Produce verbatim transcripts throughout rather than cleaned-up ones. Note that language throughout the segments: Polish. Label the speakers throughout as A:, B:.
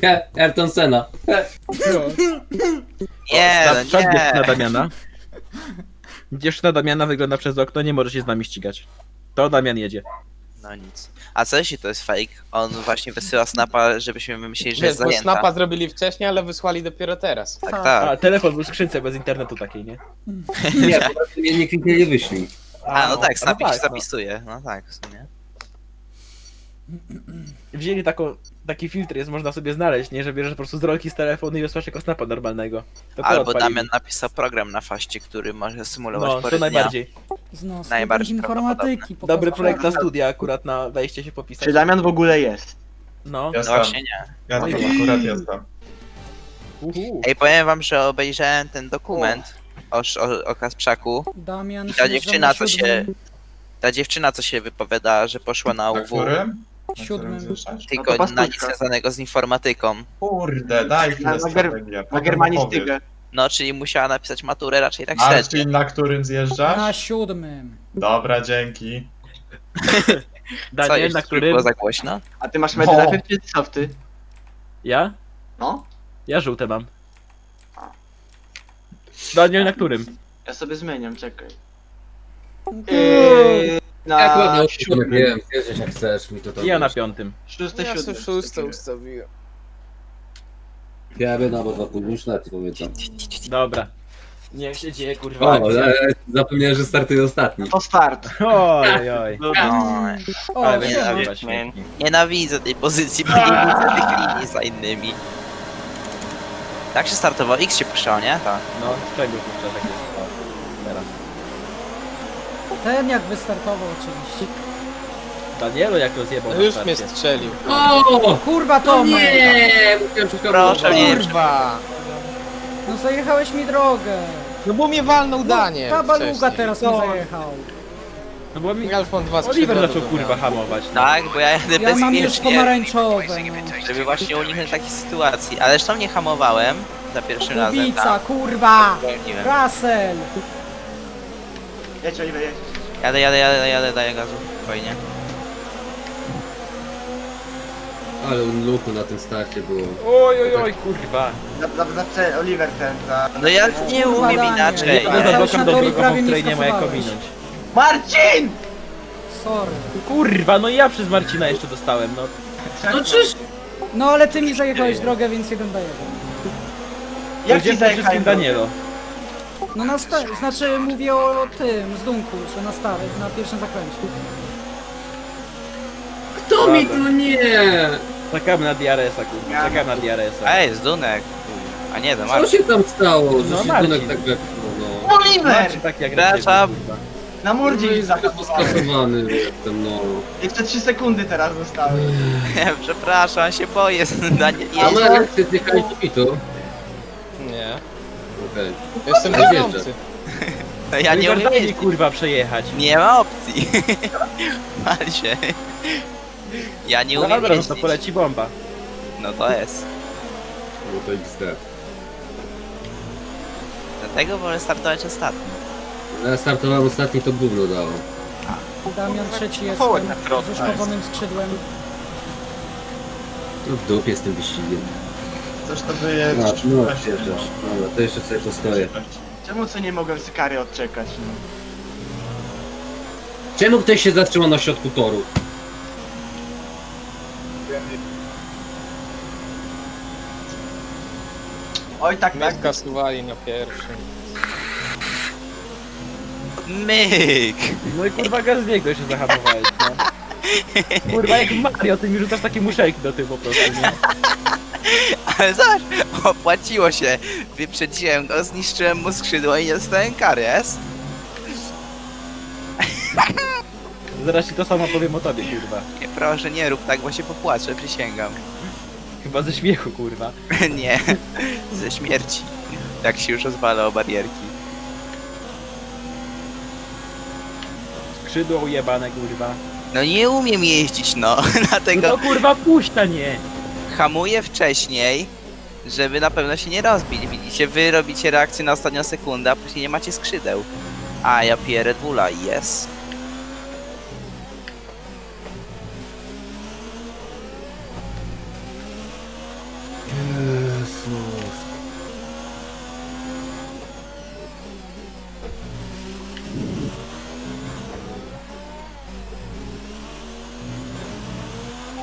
A: He, Ayrton Senna. He.
B: Nie,
C: Na
B: no
C: przykład dziewczyna
B: nie.
C: Damiana. Dziewczyna Damiana wygląda przez okno, nie może się z nami ścigać. To Damian jedzie.
B: No nic. A co jeśli to jest fake? On właśnie wysyła snapa, żebyśmy myśleli, że
D: Wiesz,
B: jest
D: bo
B: zajęta.
D: snapa zrobili wcześniej, ale wysłali dopiero teraz.
B: Tak,
C: A,
B: tak.
C: telefon był w skrzynce bez internetu takiej, nie?
A: Nie, po prostu mnie nie kliknęli wyślij.
B: A, no tak,
C: no
B: snapik
C: tak,
B: się
C: no.
B: zapisuje. No tak, w sumie.
C: Wzięli taką, taki filtr jest, można sobie znaleźć, nie? Że bierzesz po prostu z rolki z telefonu i wysłasz jako snapa normalnego. To to
B: Albo
C: odpalili.
B: Damian napisał program na faście, który może symulować
C: No,
B: porę
C: to
B: dnia.
C: najbardziej.
E: Znos
B: Najbardziej
E: informatyki. po
C: Dobry
E: prostu.
C: projekt na studia akurat, na wejście się popisać.
F: Czy Damian w ogóle jest?
C: No.
B: No
G: Jestem.
B: właśnie nie.
G: Ja tam akurat jestem.
C: Uhu.
B: Ej, powiem wam, że obejrzałem ten dokument o, o, o Kasprzaku.
E: Damian
B: I ta
E: śnieża
B: dziewczyna,
E: na
B: co się...
E: siódmym-
B: Ta dziewczyna, co się wypowiada, że poszła na
G: Na
B: U W,
G: którym? Na którym
E: Siódmym.
G: słyszysz?
B: tylko
F: No to
B: na nic
F: pastuszka.
B: związanego z informatyką.
G: Kurde, daj chwilę
F: Na, na, ger
G: strategię.
F: na
G: potem
F: germanistykę.
G: opowiedz.
B: No, czyli musiała napisać maturę raczej tak średnio.
G: Marcin, na którym zjeżdżasz?
E: Na siódmym.
G: Dobra, dzięki.
B: Co,
C: Daniel,
B: jeszcze
C: na którym...
B: było za głośno?
F: A ty masz medy najpierw czy softy?
C: Ja?
F: No?
C: Ja żółte mam. Daniel, na którym?
F: Ja sobie zmieniam, czekaj.
E: Yy,
F: Yy, na
A: Jak ładnie, nie
F: siódmym.
A: wiem, zjeżdżać jak chcesz mi to to
C: Ja na
A: wiesz.
C: piątym.
F: Szóste,
D: Ja
F: siódme.
D: sobie szóste ustawiłem.
A: Ja bym albo dwa późniejsze, nawet nie pamiętam.
C: Dobra. Niech się dzieje, kurwa.
A: O,
C: akcja.
A: ale zapomniałem, że startuje ostatni.
F: To start.
C: Oj, oj.
B: Oj,
E: O,
C: Ale będzie
E: siema.
C: nazywać świetnie.
B: nienawidzę tej pozycji, bo nie widzę tych linii za innymi. Tak się startowało? X się puszczało, nie? Tak.
C: No, z czego kurczę tak jest? O, teraz.
E: Ten jak wystartował oczywiście.
C: Danielu jak rozjebał na
D: Już mnie
C: starcie.
D: strzelił.
A: O!
E: Kurwa
A: O
E: Tomek!
A: nie! Musiałem szukać.
B: Proszę, nie.
D: Kurwa!
E: No zajechałeś mi drogę.
D: No bo mnie walnął Danie.
E: Ta baluga
D: wcześniej.
E: teraz mi zajechał.
C: No bo mi...
D: Ja już mam dwa
C: Oliver
D: skrzydła
C: zaczął
D: do
C: kurwa
D: wymiany.
C: hamować. No.
B: Tak, bo ja jadę
E: Ja mam już
B: bezpiecznie,
E: pomarańczowe. No.
B: żeby właśnie uniknąć takiej sytuacji. Ale zresztą nie hamowałem za pierwszym razem.
E: Kubica,
B: tam.
E: kurwa!
B: Zwolniłem.
E: Russell!
F: Jedź, Oliver, jedź.
B: Jadę, jadę, jadę, jadę, daję gazu. Spokojnie.
A: Ale luku na tym starcie było.
C: Oj, oj, oj, kurwa.
F: Za, za, za, za Oliver ten, za...
B: No ja nie
E: Kurwa,
B: umiem
E: Daniel.
B: inaczej.
E: Ja
C: No
E: cały
C: za
E: czas
C: bokiem
E: na
C: do
E: teorii
C: drogową,
E: prawie nie
C: której nie ma jak
E: skasowałeś.
C: ominąć.
F: Marcin!
E: Sorry.
C: Kurwa, no ja przez Marcina jeszcze dostałem, no.
A: No czyż?
E: No ale ty mi zajechałeś drogę, więc jeden do jeden.
F: Jak
C: Gdzie
F: ci
C: przede wszystkim
F: zajechałem?
C: Danielo?
E: No na sta- znaczy mówię o tym, z Dunku, że na stary, na pierwszym zakręcie.
A: Kto mi tu nie?
C: Czekamy na D R S-a, kurwa, czekamy na D R S-a.
B: Ej, z Dunek. A nie, to
A: Co
B: Marcin.
A: się tam stało? Że
C: No,
A: się
C: Marcin.
A: Dunek tak wepchnął, no.
F: Oliver!
C: Marcin tak jak
B: Przepraszam.
C: kurwa.
F: Na
A: No
F: mordzie
A: jest
F: się zahamowałem.
A: skasowany jestem, no.
F: Jeszcze trzy sekundy teraz zostały.
B: Przepraszam, się boję. Daniel,
A: A
B: jeździ.
A: no jak ty zjechałeś do pitu?
D: Nie.
A: Okej.
D: Jestem
A: Ale
D: dziewiąty.
B: No ja nie
C: Oliver,
B: umiem
C: daj mi
B: jeździć.
C: kurwa przejechać.
B: Nie ma opcji. Pal się. Ja nie
C: No
B: umiem
C: dobra, no to
B: jeździć.
C: poleci bomba.
B: No to jest.
A: No to X D.
B: Dlatego wolę startować ostatni.
A: Ja startowałem ostatni, to gówno dało.
E: Damian trzeci jest
F: Kołek na środku.
E: z uszkodzonym skrzydłem.
A: No w dupie z tym wyścigiem.
G: Coś to wyje...
A: No, no, wjeżdżasz. Dobra, to jeszcze sobie postoję.
F: Czemu co nie mogłem z kary odczekać? No?
A: Czemu ktoś się zatrzymał na środku toru?
F: Oj tak,
D: Mnie
F: tak.
D: skasowali na pierwszym.
B: Myk!
C: No i kurwa gaz z niego się zahamowałeś, no. Kurwa jak Mario, ty mi rzucasz takie muszelki do tyłu po prostu, nie?
B: Ale zobacz, opłaciło się. Wyprzedziłem go, zniszczyłem mu skrzydło i nie dostałem kary, jest?
C: Zaraz ci to samo powiem o tobie, kurwa.
B: Nie, proszę, nie rób tak, bo się popłaczę, przysięgam.
C: Chyba ze śmiechu, kurwa.
B: Nie, ze śmierci. Jak się już rozwala o barierki.
C: Skrzydło ujebane, kurwa.
B: No nie umiem jeździć, no.
C: No
B: Dlatego
C: to kurwa puść, a nie!
B: hamuję wcześniej, żeby na pewno się nie rozbić. Widzicie, wy robicie reakcję na ostatnią sekundę, a później nie macie skrzydeł. A ja piję Red Bulla, yes.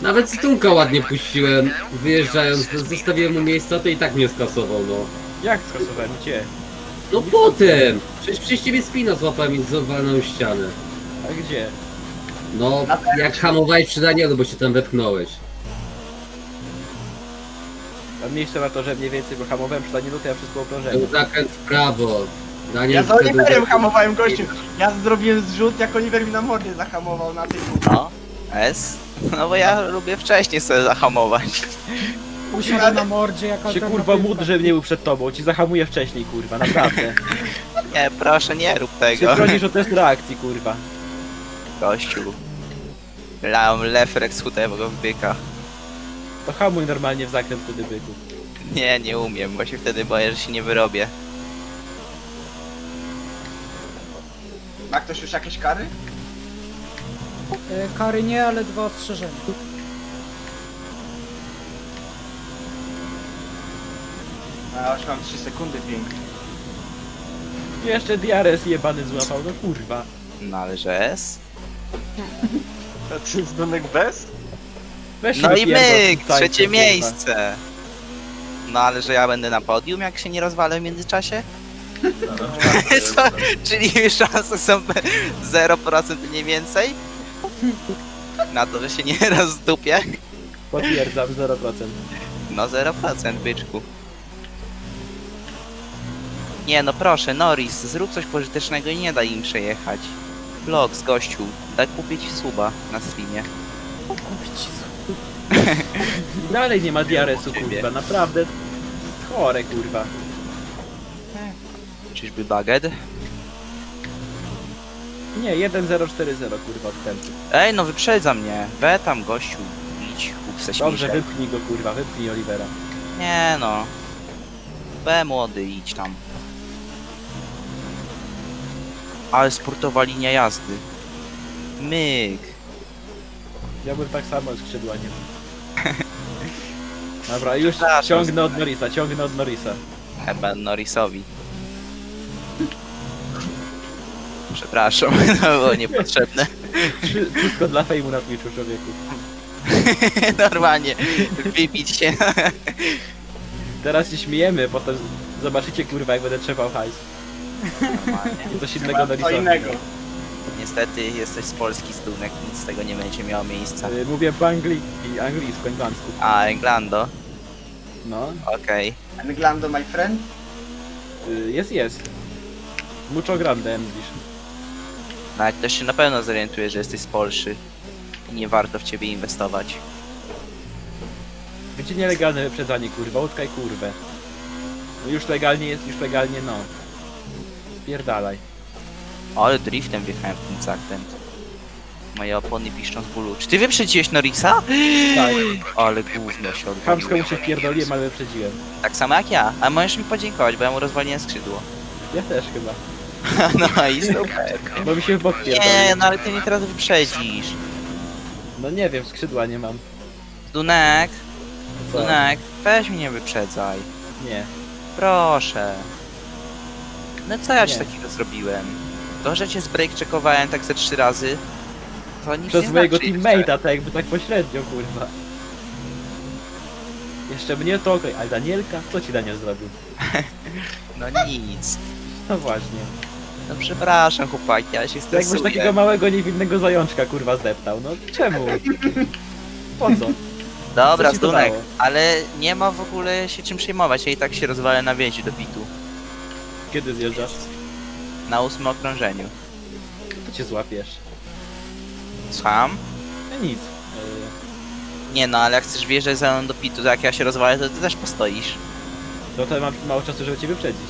A: Nawet Stunka ładnie puściłem, wyjeżdżając, zostawiłem mu miejsca, to i tak mnie skasował, no.
C: Jak skasowałem? Gdzie?
A: No potem! Przecież przez ciebie spina złapałem i zawalną ścianę.
C: A gdzie?
A: No, jak hamowałeś przy Danielu, bo się tam wepchnąłeś.
C: Mam miejsce na to, że mniej więcej, bo hamowałem przy Danielu, to ja wszystko okrążenie.
A: Był zakręt w prawo. Daniel
F: Ja za
A: wtedy-
F: Oliverem hamowałem gościu. Ja zrobiłem zrzut, jak Oliver mi na mordzie zahamował na tej
B: No, S. No bo ja lubię wcześniej sobie zahamować.
E: Usiadł na mordzie jak
C: Się
E: alternatywa.
C: kurwa módl, że mnie był przed tobą, ci zahamuję wcześniej, kurwa, naprawdę.
B: Nie, proszę, nie rób
C: Się
B: tego.
C: bronisz o test reakcji, kurwa.
B: Gościu. Lałem refleks chudego w byka.
C: To hamuj normalnie w zakręt kudy byku.
B: Nie, nie umiem, bo się wtedy boję, że się nie wyrobię.
F: Ma ktoś już jakieś kary?
E: E, Kary nie, ale dwa ostrzeżenia.
F: A już mam trzy sekundy pięknie.
C: Jeszcze Diares jebany złapał, no kurwa.
B: No ale że S?
F: A ty jest Dunek bez?
C: Weź
B: No
C: się
B: i
C: wypierdol
B: myk,
C: w tym tańcu,
B: trzecie
C: kurwa.
B: miejsce. No ale że ja będę na podium, jak się nie rozwalę w międzyczasie? Co? Czyli szanse są zero procent mniej więcej? Na to, że się nie rozdupię?
C: Potwierdzam, zero procent.
B: No zero procent, byczku. Nie no proszę, Norris, zrób coś pożytecznego i nie daj im przejechać. Vlog z gościu, daj kupić suba na streamie.
C: Dalej nie ma Diaresu,
B: Ciebie.
C: kurwa, naprawdę. Chore, kurwa.
B: Czyżby baget?
C: Nie, jeden zero cztery zero, kurwa, odstępy.
B: Ej no wyprzedza mnie, we tam gościu, idź, kup se
C: Dobrze,
B: śmiszek.
C: wypchnij go, kurwa, wypchnij Olivera.
B: Nie no. B młody, idź tam. Ale sportowa linia jazdy. Myk.
C: Ja bym tak samo skrzydła nie mam. Dobra, już
B: Przepraszam.
C: ciągnę od Norrisa, ciągnę od Norrisa.
B: Chyba Norrisowi. Przepraszam, to było niepotrzebne.
C: Wszy- Wszystko dla fejmu na Twitchu, człowieku.
B: Normalnie, wypić się.
C: Teraz się śmiejemy, potem zobaczycie, kurwa, jak będę trzepał hajs.
B: Normalnie.
C: I coś innego
F: Co
C: Norrisowi.
F: innego.
B: Niestety jesteś z Polski, Stunek, nic z tego nie będzie miało miejsca.
C: Y, Mówię po angli i angielsku, englandzku.
B: A, Englando?
C: No,
B: Okej.
F: Englando, my friend?
C: y, jest, jest. Mucho grande English.
B: Nawet ktoś się na pewno zorientuje, że jesteś z Polszy. I nie warto w ciebie inwestować.
C: Będzie nielegalne wyprzedzanie, kurwa, utkaj kurwę. No już legalnie jest, już legalnie no. Spierdalaj.
B: Ale driftem wjechałem w ten zakręt. Moje opony piszczą z bólu. Czy ty wyprzedziłeś Norrisa?
C: Tak,
B: Ale gówno się
C: chamsko
B: odwaliło.
C: mu się wpierdoliłem, ale wyprzedziłem.
B: Tak samo jak ja. A możesz mi podziękować, bo ja mu rozwaliłem skrzydło.
C: Ja też chyba.
B: No i super.
C: Bo mi się w bok
B: Nie,
C: pierdolił.
B: no ale ty mnie teraz wyprzedzisz.
C: No nie wiem, skrzydła nie mam.
B: Dunek,
C: Co?
B: Dunek, weź mnie wyprzedzaj.
C: Nie.
B: Proszę. No co ja ci
C: Nie.
B: takiego zrobiłem? To, że cię zbreak checkowałem tak ze trzy razy, to nic
C: Przez
B: nie
C: mojego
B: znaczy
C: teammate'a, tak jakby tak pośrednio, kurwa. Jeszcze mnie to okej, ale Danielka? Co ci Daniel zrobił?
B: jeszcze. No nic.
C: No właśnie.
B: No przepraszam chłopaki, ja się
C: To jakbyś
B: stresuję.
C: takiego małego, niewinnego zajączka, kurwa, zdeptał. No czemu? Po co?
B: Dobra,
C: Co ci to
B: Dunek,
C: dało?
B: ale nie ma w ogóle się czym przejmować, ja i tak się rozwalę na więzi do pitu.
C: Kiedy zjeżdżasz?
B: Na ósmym okrążeniu.
C: To cię złapiesz.
B: Słucham?
C: No nic. Yy,
B: Nie no, ale jak chcesz wjeżdżać za mną do pitu, to jak ja się rozwalę, to ty też postoisz.
C: No to mam mało czasu, żeby cię wyprzedzić.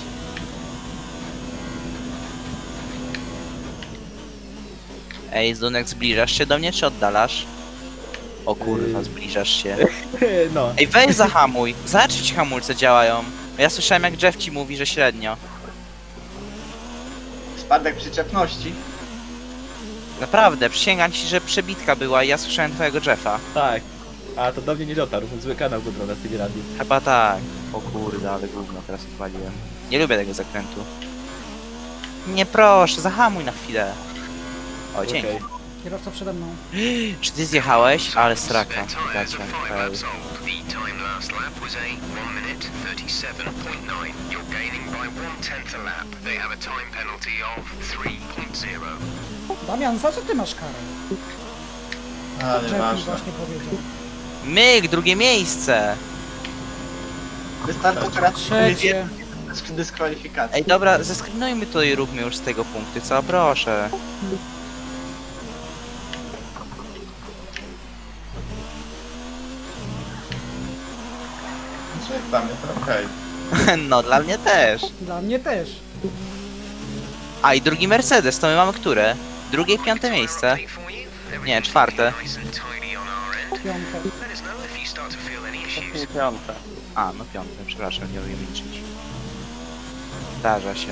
B: Ej, Dunek, zbliżasz się do mnie, czy oddalasz? O kurwa,
C: Yy.
B: zbliżasz się.
C: No.
B: Ej, weź zahamuj. Zobacz, czy ci hamulce działają. Ja słyszałem, jak Jeff ci mówi, że średnio.
F: Spadek przyczepności.
B: Naprawdę, przysięgam ci, że przebitka była i ja słyszałem twojego Jeffa.
C: Tak. A to do mnie nie dotarł, zły kanał go na Stevie Radio.
B: Chyba tak. O kurde, ale gówno teraz odwaliłem. Nie lubię tego zakrętu. Nie proszę, zahamuj na chwilę. O, dzięki.
C: Okej.
E: Kierowca przede mną.
B: Czy ty zjechałeś? Ale straka. Gacie. Okej.
E: Damian, za co ty masz karę?
G: A,
E: Jeff mi
G: nieważne.
E: właśnie powiedział.
B: Myk, drugie miejsce!
F: Wystarczy teraz
E: Trzecie.
F: dyskwalifikacji.
B: Ej, dobra, zeskrinujmy to i róbmy już z tego punkty, co? Proszę.
G: Czy jak dla mnie to okej.
B: No, dla mnie też.
E: Dla mnie też.
B: A, i drugi Mercedes, to my mamy które? Drugie i piąte miejsce. Nie, czwarte.
E: Piąte.
D: Nie piąte.
B: A, no piąte, przepraszam, nie umiem liczyć. Zdarza się.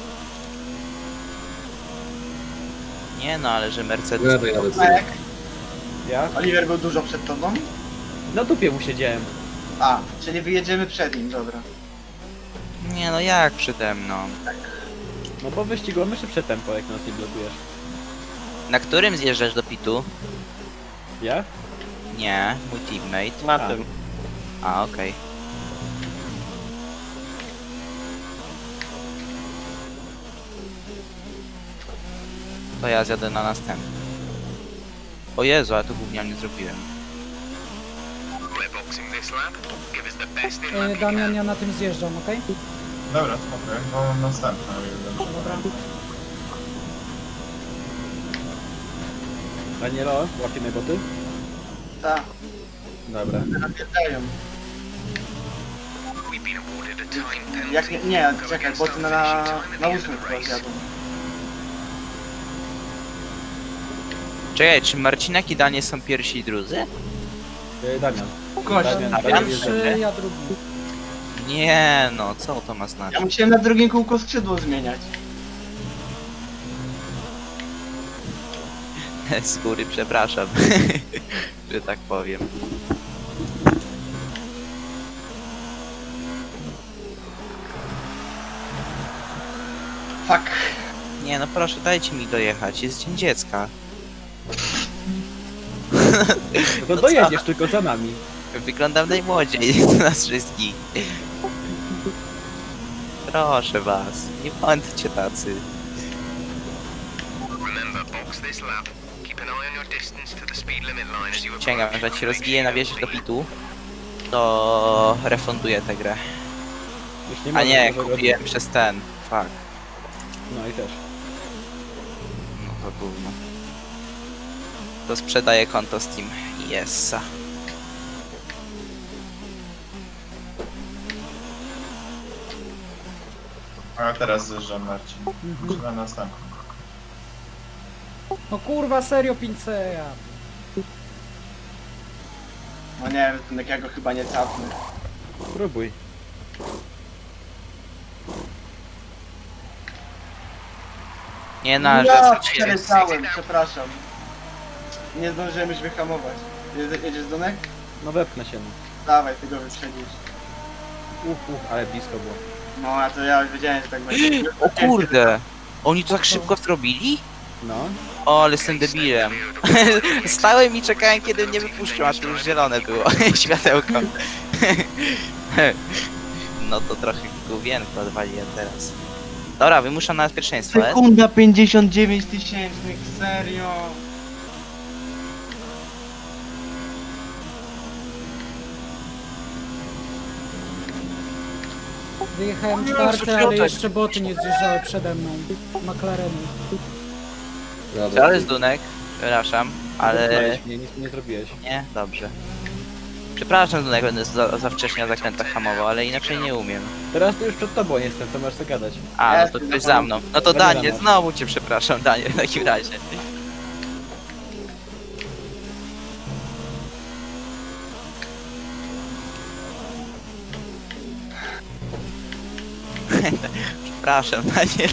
B: Nie no, ale że Mercedes...
A: Ja dojadę
F: A jak?
C: Ja?
F: Oliver był dużo przed tobą?
C: Na dupie mu siedziałem.
F: A, czyli wyjedziemy przed nim, dobra.
B: Nie no, jak przede mną?
C: No bo wyścigu mamy szybsze tempo, jak nas nie blokujesz.
B: Na którym zjeżdżasz do pitu?
C: Ja?
B: Nie, mój teammate.
D: Na
C: A.
D: tym.
B: A, okej. To ja zjadę na następny. O Jezu, a to gównianie zrobiłem.
E: E, Damian, ja na tym zjeżdżam, okej?
G: Dobra, spokojnie, bo mam następne. o ile dobrze
E: Dobra.
C: Danielo, łapiemy boty?
F: Tak,
C: Dobra.
F: napierdają. Jak nie, nie, czekaj, bo ty na, na, na ósmym chyba zjadą.
B: Czekaj, czy Marcinek i Danie są pierwsi i drudzy?
C: E, Damian.
F: Gość,
C: Damian,
B: A
C: Damian
B: pierwszy?
C: jest
E: Pierwszy, ja drugi.
B: Nie no, co to ma
F: ja
B: znaczyć?
F: musiałem na drugim kółku skrzydło zmieniać.
B: Z góry przepraszam, że tak powiem.
F: Fuck.
B: Nie no proszę, dajcie mi dojechać, jest dzień dziecka.
C: No to dojedziesz tylko za nami.
B: Wyglądam najmłodziej z nas wszystkich. Proszę was, nie bądźcie tacy. Przysięgam, że jak się rozbije na wieży do pitu, to refunduję tę grę.
C: Już nie
B: A
C: ma
B: nie,
C: nowego-
B: kupiłem przez ten. Fuck.
C: No i też.
B: No to gówno. To sprzedaję konto Steam. Yesa.
G: A ja teraz zjeżdżam, Marcin.
E: Mhm.
G: Czy na następny?
E: No kurwa, serio, pinceja.
F: No nie wiem, jak ja go chyba nie capnę.
C: Próbuj.
B: Nie na, że
F: Ja
B: sobie
F: przeleciałem, przepraszam. Nie zdążyłem już wyhamować. Jedzie- Jedziesz do nek?
C: No wepchnę się. No.
F: Dawaj, ty go wyprzedzisz.
C: Uf, uf, ale blisko było.
F: No, a to ja już wiedziałem, że tak będzie.
B: O kurde! Oni to tak szybko zrobili?
C: No.
B: O, ale jestem debilem. Stałem i czekałem, kiedy mnie wypuszczą, a to już zielone było. Światełko. No to trochę główienko odwaliłem teraz. Dobra, wymuszam na nas pierwszeństwo, e?
F: Sekunda pięćdziesiąt dziewięć tysięcznych, serio.
E: Wyjechałem czwarty, ale jeszcze boty nie zjeżdżały przede mną. McLareny.
A: Dobra.
B: Ale z Dunek, przepraszam, ale...
C: Wypchnąłeś mnie, nic mi nie zrobiłeś.
B: Nie? Dobrze. Przepraszam, Dunek, będę za, za wcześnie na zakrętach hamował, ale inaczej nie umiem.
C: Teraz to już przed tobą jestem, to masz co gadać.
B: A, no to
F: Jestem,
B: ktoś
F: no.
B: za mną. No to
C: Daniela
B: Daniel,
C: masz.
B: znowu cię przepraszam, Daniel, w takim razie. Przepraszam, Daniel.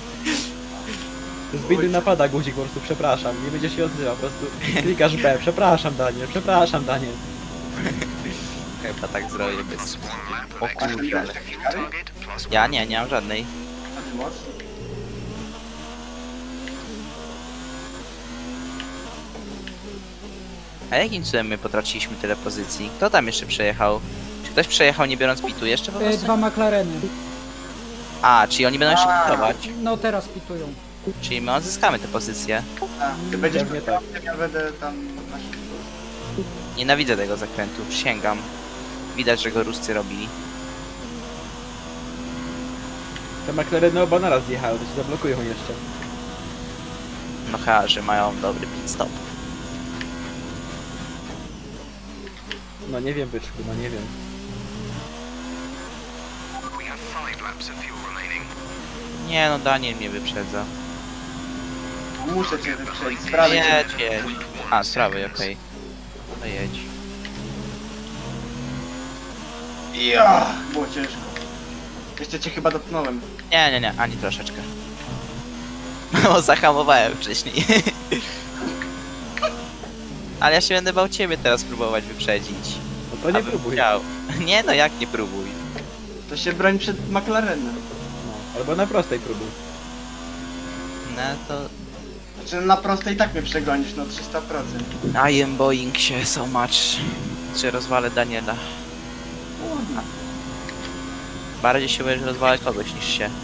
C: Z biedy napada guzik po prostu, przepraszam. Nie będzie się odzywał, po prostu klikasz B. Przepraszam Daniel, przepraszam Daniel.
B: Chyba tak zrobię bez... O
F: A ty nie
B: kurde.
F: masz takiej kary?
B: Ja nie, nie mam żadnej.
F: A ty mocno?
B: A jakim cudem my potraciliśmy tyle pozycji? Kto tam jeszcze przejechał? Czy ktoś przejechał nie biorąc pitu jeszcze po
E: E,
B: prostu?
E: Dwa McLareny.
B: A, czyli oni będą jeszcze
F: A.
B: pitować.
E: No teraz pitują.
B: Czyli my odzyskamy te pozycje.
F: A, ty będziesz
C: Pewnie
F: tak.
C: tak.
F: Ja będę tam na szybko.
B: Nienawidzę tego zakrętu, przysięgam. Widać, że go Ruscy robili.
C: Te McLareny oba naraz zjechały, to się zablokują jeszcze.
B: No chyba, że mają dobry pit stop.
C: No nie wiem, byczku, no nie wiem.
D: We have five laps of fuel remaining.
B: Nie no, Daniel mnie wyprzedza.
F: Muszę cię wyprzedzić, sprawy cię.
B: Jedź, jedź. A, z prawej, okej. No jedź.
F: Ja, było ciężko. Jeszcze cię chyba dotknąłem.
B: Nie, nie, nie, ani troszeczkę. No, zahamowałem wcześniej. Ale ja się będę bał ciebie teraz próbować wyprzedzić.
C: No to nie
B: Abym
C: próbuj.
B: chciał. Nie no, jak nie próbuj?
F: To się broń przed McLarenem.
C: No, albo na prostej próbuj.
B: No to...
F: Znaczy na prostej i tak mnie przegonisz, no trzysta procent.
B: I am boing się so much. Czy rozwalę Daniela? Bardziej się będziesz rozwalać kogoś niż się.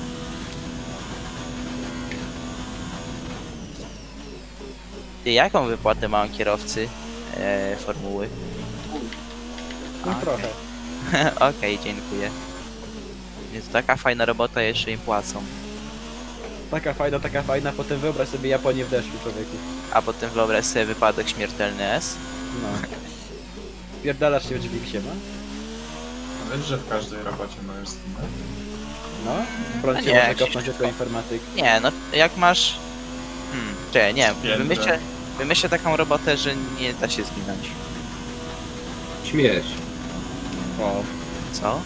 B: Ty, jaką wypłatę mają kierowcy e, formuły?
C: No
B: Okej.
C: trochę.
B: Okej, dziękuję. Więc taka fajna robota, jeszcze im płacą.
C: Taka fajna, taka fajna, potem wyobraź sobie Japonię w deszczu, człowieku.
B: A potem wyobraź sobie wypadek śmiertelny S.
C: No. Pierdalasz się w drzwi ksiema?
G: No wiesz, że w każdej robocie możesz zginąć?
C: No. Prąd
B: A
C: się
B: nie,
C: może
B: jak
C: kopnąć
B: się-
C: jako informatyk.
B: Nie, no jak masz... Hmm, czekaj, nie,
G: Święte.
B: wymyślę, wymyślę taką robotę, że nie da się zginąć.
A: Śmiesz.
C: O.
B: Co?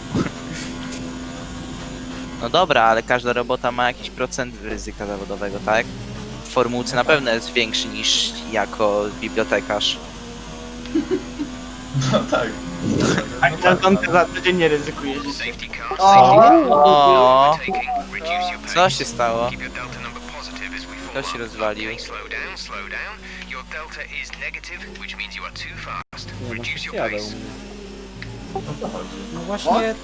B: No dobra, ale każda robota ma jakiś procent ryzyka zawodowego, tak? W formułce na pewno jest większy niż jako bibliotekarz.
G: No tak.
F: A
G: No
F: na
G: tak,
F: zonkę za tydzień nie ryzykujesz.
D: Safety car.
F: O!
D: Safety car.
B: O,
D: Taking. Reduce your pace.
B: co się stało?
D: Keep your delta number positive as we
B: Kto
D: fall
B: się
D: up.
B: rozwalił?
D: Okay, slow down, slow down. Your delta is negative, which means you are too fast.
C: Nie no,
D: Reduce
C: wszyscy
D: your
C: jadą u
D: pace.
C: mnie.
G: o to chodzi.
E: No właśnie,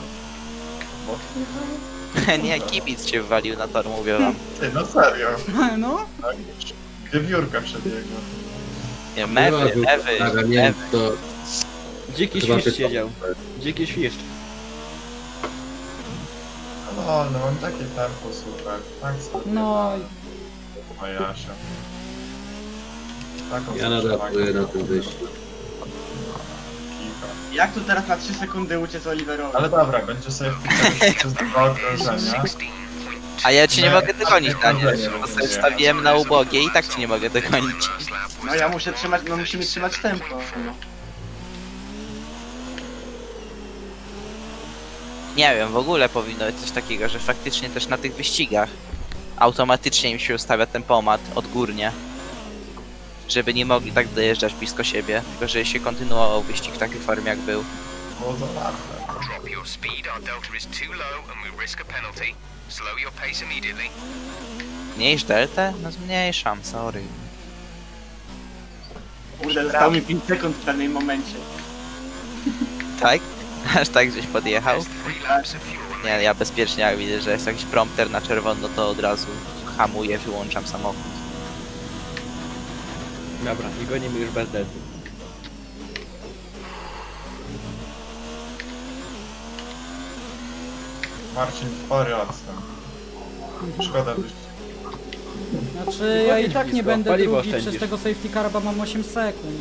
G: Bo...
B: Nie, kibic się wwalił na tor, mówię wam.
G: Ty, no serio.
E: no.
G: Tak? Wiewiórka przebiegła.
B: Nie, mewy, mewy,
A: Dobra, nie wiem,
B: mewy.
A: to
C: Dziki
A: chyba
C: świszcz
A: ty-
C: siedział. Dziki świszcz.
G: No, no mam takie tempo super. Tak sobie.
E: No.
G: Moja Asia. Taką
A: ja nadal na tym wyjściu.
G: Kicha.
F: Jak tu teraz na trzy sekundy uciec Oliverowi?
G: Ale dobra, będzie sobie wpisać przez dwa okrążenia.
B: A ja cię nie
G: Nie,
B: mogę dogonić,
G: nie,
B: Daniel.
G: nie,
B: Bo
G: nie,
B: sobie
G: nie.
B: wstawiłem na ubogie i tak cię nie mogę dogonić.
F: No ja muszę trzymać, no musimy trzymać tempo. No.
B: Nie wiem, w ogóle powinno być coś takiego, że faktycznie też na tych wyścigach automatycznie im się ustawia tempomat odgórnie. Żeby nie mogli tak dojeżdżać blisko siebie, tylko że się kontynuował wyścig w takiej formie jak był.
G: Było to łatwe.
D: Drop your speed, our delta is too low and we risk a penalty. Slow your pace immediately.
B: Mniejsz deltę? No zmniejszam, sorry.
F: Kurde, zostało mi pięć sekund w pewnym momencie.
B: Tak? Aż tak żeś podjechał?
D: Three laps of fuel
B: Nie, ja bezpiecznie jak widzę, że jest jakiś prompter na czerwono, to od razu hamuję, wyłączam samochód.
C: Dobra, i gonimy już bez delty.
G: Marcin, spory odstęp. Szkoda byś...
E: Znaczy ja i
C: Jedź
E: tak
C: blisko,
E: nie będę
C: paliwo
E: drugi
C: oszczędzisz.
E: przez tego safety car, bo mam osiem sekund.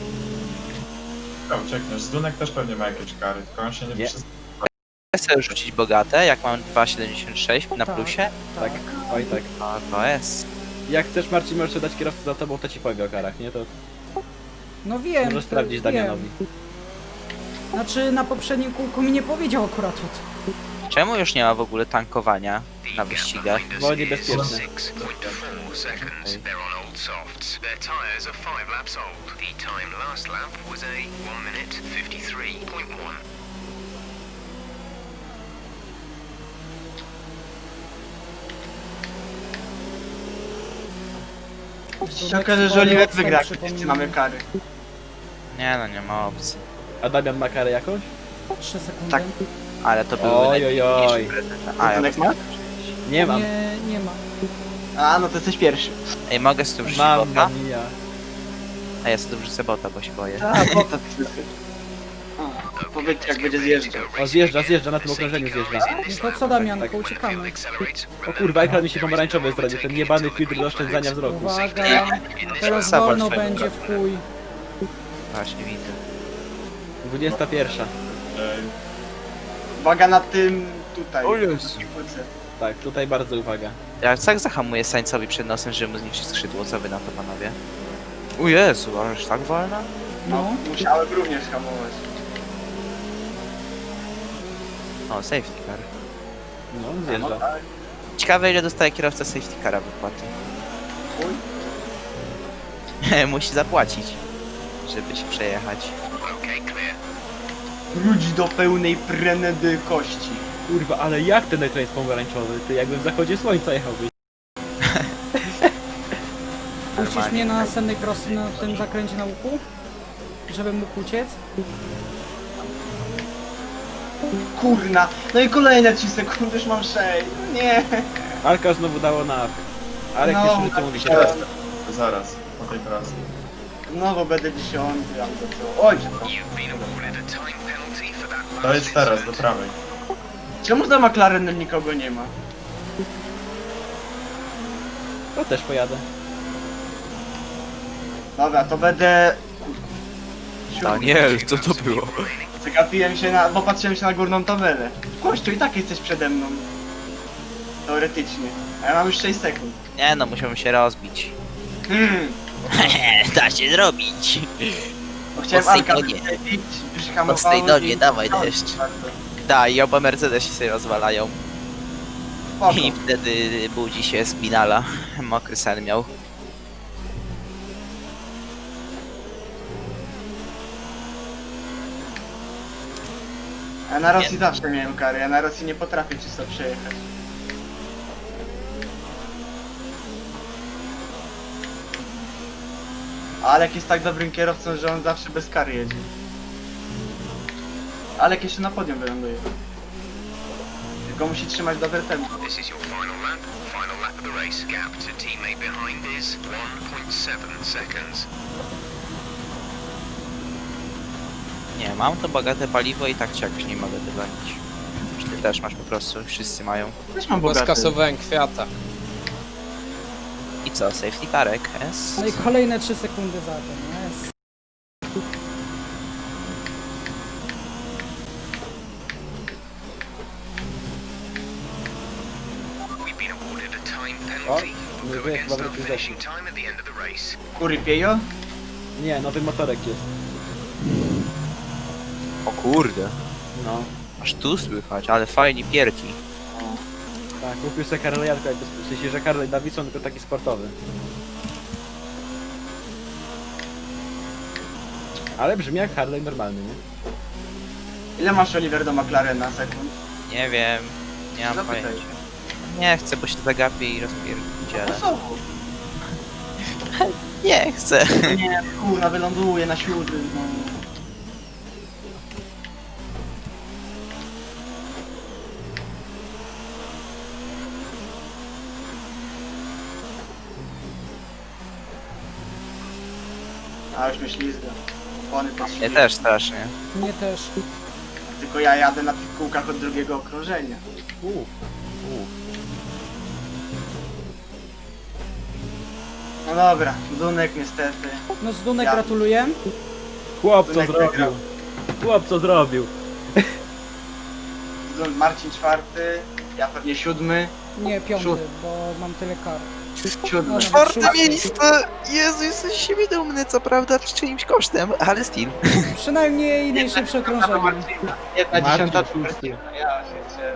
G: Ja uciekniesz. Zdunek też pewnie ma jakieś kary, tylko on się nie,
C: Nie.
G: przyzna.
B: Chcę sobie rzucić bogate, jak mam dwa siedemdziesiąt sześć na
E: Tak.
B: plusie?
C: Tak, oj tak.
B: No to jest.
C: Jak chcesz, Marcin, możesz dać kierowcę za tobą, to ci powie o karach, nie? To
E: No wiem.
C: możesz
E: to
C: sprawdzić
E: wiem.
C: Damianowi.
E: Znaczy na poprzednim kółku mi nie powiedział akurat o tym.
B: Czemu już nie ma w ogóle tankowania na wyścigach?
C: Bo niebezpieczne.
D: six point four seconds. They're on old softs. Their tyres are five laps old. The time last lap was a one minute fifty-three point one.
F: Jeśli się okaże, że Oliver wygra, jak wszyscy mamy kary.
B: Nie no, nie ma opcji.
C: A Damian ma karę jakąś?
E: trzy sekundy.
F: Tak.
B: Ale to był
C: Oj, oj, oj.
B: A, ja
F: Zdunek ma?
C: Nie mam.
E: Nie, nie ma.
F: A, no to jesteś pierwszy.
B: Ej, mogę z tym wrzucić
C: Mamma
B: bota?
C: mia.
B: A ja sobie tu wrzucę bota, bo się boję.
F: A, bota wszyscy. Powiedz jak będzie zjeżdżał.
C: O, zjeżdża, zjeżdża, na tym okrążeniu zjeżdża.
E: No to co Damianko, uciekamy.
C: O kurwa, ekran mi się pomarańczowy zrobił, ten jebany filtr do oszczędzania wzroku.
E: Uwaga, teraz
B: Sabor
E: wolno
B: swojego
E: będzie w chuj.
B: Właśnie widzę.
C: dwudziesta pierwsza.
G: Ej,
F: Uwaga na tym tutaj.
B: O Jezu.
C: Tak, tutaj bardzo uwaga.
B: Ja tak zahamuję Sańcowi przed nosem, żeby mu zniszczyć skrzydło. Co wy na to, panowie? O Jezu, aż tak wolno?
F: No, musiałem również hamować.
B: O, safety car.
C: No,
F: No
C: zjeżdża.
F: tak.
B: Ciekawe, ile dostaje kierowca safety cara wypłaty.
F: Chuj.
B: Musi zapłacić, żeby się przejechać.
F: Wróć do pełnej prędkości.
C: Kurwa, ale jak ten ekran jest pomarańczowy? Ty jakbym w zachodzie słońca jechałbyś.
E: Puścisz mnie na następnej prosty na tym zakręcie na łuku? Żebym mógł uciec?
F: Kurna. No i kolejne trzy sekundy, już mam sześć. Nie.
C: Alka znowu dało na awk. Arek
F: No,
C: jeszcze co mówi
F: napisałem.
C: teraz.
G: to zaraz, po tej pracy.
F: No bo będę dziesiąty albo co. Oj, przepraszam.
D: You've been awarded a time penalty for that
G: To
D: last
G: jest teraz, do
D: incident.
G: prawej.
F: Czemu za McLarenem nikogo nie ma?
C: To też pojadę.
F: Dobra, to będę...
B: Daniel, co to było?
F: Zagapiłem się na... bo patrzyłem się na górną tabelę. Kościół, i tak jesteś przede mną. Teoretycznie. A ja mam już sześć sekund.
B: Nie no, musiałbym się rozbić.
F: Hmm.
B: Da się zrobić.
F: Bo chciałem
B: Mocnej
F: Alka
B: nogie.
F: wyprzedzić, już
B: Mocnej
F: hamowałem
B: nogie,
F: i-
B: dawaj deszcz. Da, i oba Mercedesy się rozwalają.
F: Spoko.
B: I wtedy budzi się spinala. Mokry sen miał.
F: Ja na Rosji zawsze miałem kary, ja na Rosji nie potrafię czysto przejechać. Alek jest tak dobrym kierowcą, że on zawsze bez kary jedzie. Alek jeszcze na podium wyląduje. Tylko musi trzymać dobre tempo.
D: This is your final lap. Final lap of the race. Gap to teammate behind is one point seven seconds.
B: Nie, mam to bogate paliwo i tak cię jakoś nie mogę dogonić. Czy ty też masz po prostu, wszyscy mają.
F: Też mam
H: Bo
F: bogaty.
H: skasowałem kwiata.
B: I co, safety carek, S?
E: No i kolejne trzy sekundy za tym. Jest.
D: We've been awarded a time
C: O,
D: penalty.
C: nie
D: We'll go
C: wiem,
D: against
C: chyba
D: our
C: wrócił
D: finishing time at the end of the race.
F: Kury piejo?
C: Nie, nowy motorek jest.
B: O kurde.
C: No.
B: Aż tu słychać, ale fajnie pierki.
C: Tak, kupił sobie Harley'a, tylko jakby w sensie, że Harley Davidson, tylko taki sportowy. Ale brzmi jak Harley normalny, nie?
F: Ile masz, Oliver, do McLarena sekund?
B: Nie wiem, nie mam
F: Zapytaj.
B: pojęcia. Nie chcę, bo się zagapię i rozpierdzielę.
F: Osobu.
B: Nie chcę.
F: Nie, kurna, wyląduje na siódmym. No. A już mnie ślizga. Opony też
B: Nie
F: ślizga.
B: też strasznie.
E: Mnie też.
F: Tylko ja jadę na tych kółkach od drugiego okrążenia.
C: Uuu. Uuu.
F: No dobra, Dunek niestety.
E: No z Dunek
F: Ja-
E: gratuluję.
C: Chłop co
F: Dunek
C: zrobił?
F: wygrał.
C: Chłop co zrobił?
F: Dun- Marcin czwarty, ja pewnie siódmy.
E: Nie, piąty,
F: Szósty.
E: bo mam tyle kar.
F: Siódmy.
E: No,
B: Czwarte
E: szósty.
B: miejsce! Jezu, jesteś z siebie dumny, co prawda, czyimś kosztem, ale still.
E: Przynajmniej najszybsze okrążenie.
F: Jedna
C: Marcin
F: dziesiąta
C: szósty.
F: Ja się cieszę.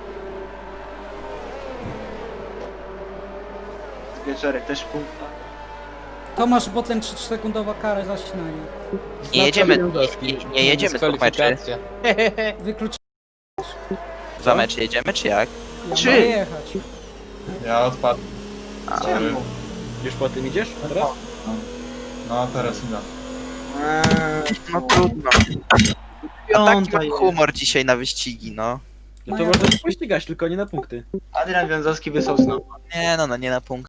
F: Wieczorek też punkt.
E: Tomasz Botlem trzy sekundowa kara za ścinanie.
B: Nie jedziemy,
C: Lewandowski.
B: nie, nie jedziemy dwóch meczy.
H: Dyskwalifikacja.
E: Wyklucz...
B: Dwa mecze jedziemy, czy jak?
E: Ja
F: Trzy.
E: mogę jechać.
G: Ja odpadłem.
B: A,
G: Sorry.
F: Czemu?
C: Już po tym idziesz teraz?
G: No a teraz idę.
F: Eee,
B: No trudno. No taki
F: piąta
B: mam
F: jest.
B: humor dzisiaj na wyścigi, no.
C: No to można się pościgać, tylko nie na punkty.
F: Adrian Wiązowski wysłał znowu.
B: Nie no, no nie na punkt.